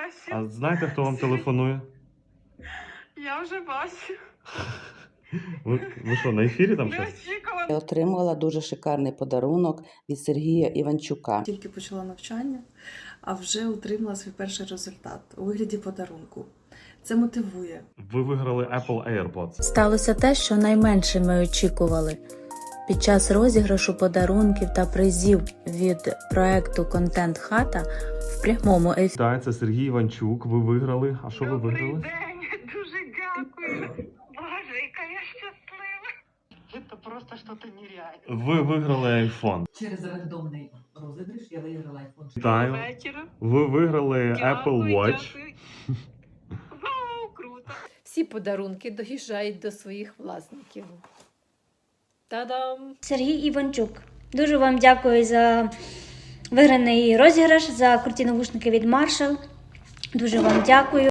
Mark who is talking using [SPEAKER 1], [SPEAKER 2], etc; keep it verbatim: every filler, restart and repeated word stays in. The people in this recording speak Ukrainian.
[SPEAKER 1] бачу.
[SPEAKER 2] А знаєте, хто вам телефонує?
[SPEAKER 1] Я вже бачу.
[SPEAKER 2] Ви, ви що, на ефірі там щось?
[SPEAKER 1] Неочікувано.
[SPEAKER 3] Я отримала дуже шикарний подарунок від Сергія Іванчука.
[SPEAKER 4] Тільки почала навчання, а вже отримала свій перший результат у вигляді подарунку. Це мотивує.
[SPEAKER 2] Ви виграли Apple AirPods.
[SPEAKER 5] Сталося те, що найменше ми очікували. Під час розіграшу подарунків та призів від проекту «Контент Хата» в прямому ефірі
[SPEAKER 2] Так, це Сергій Іванчук. Ви виграли. А що ви
[SPEAKER 1] Добрий
[SPEAKER 2] виграли?
[SPEAKER 1] день, дуже дякую. Боже, яка я щаслива. Це просто щось нереальне.
[SPEAKER 2] Ви виграли iPhone.
[SPEAKER 6] Через рандомний розіграш я виграла iPhone.
[SPEAKER 2] Вітаю.
[SPEAKER 1] Вечора.
[SPEAKER 2] Ви виграли Apple
[SPEAKER 1] Дякую,
[SPEAKER 2] Watch.
[SPEAKER 1] дякую. Вау, круто.
[SPEAKER 7] Всі подарунки доїжджають до своїх власників. Та-дам!
[SPEAKER 8] Сергій Іванчук. Дуже вам дякую за виграний розіграш, за круті навушники від Marshall. Дуже вам дякую.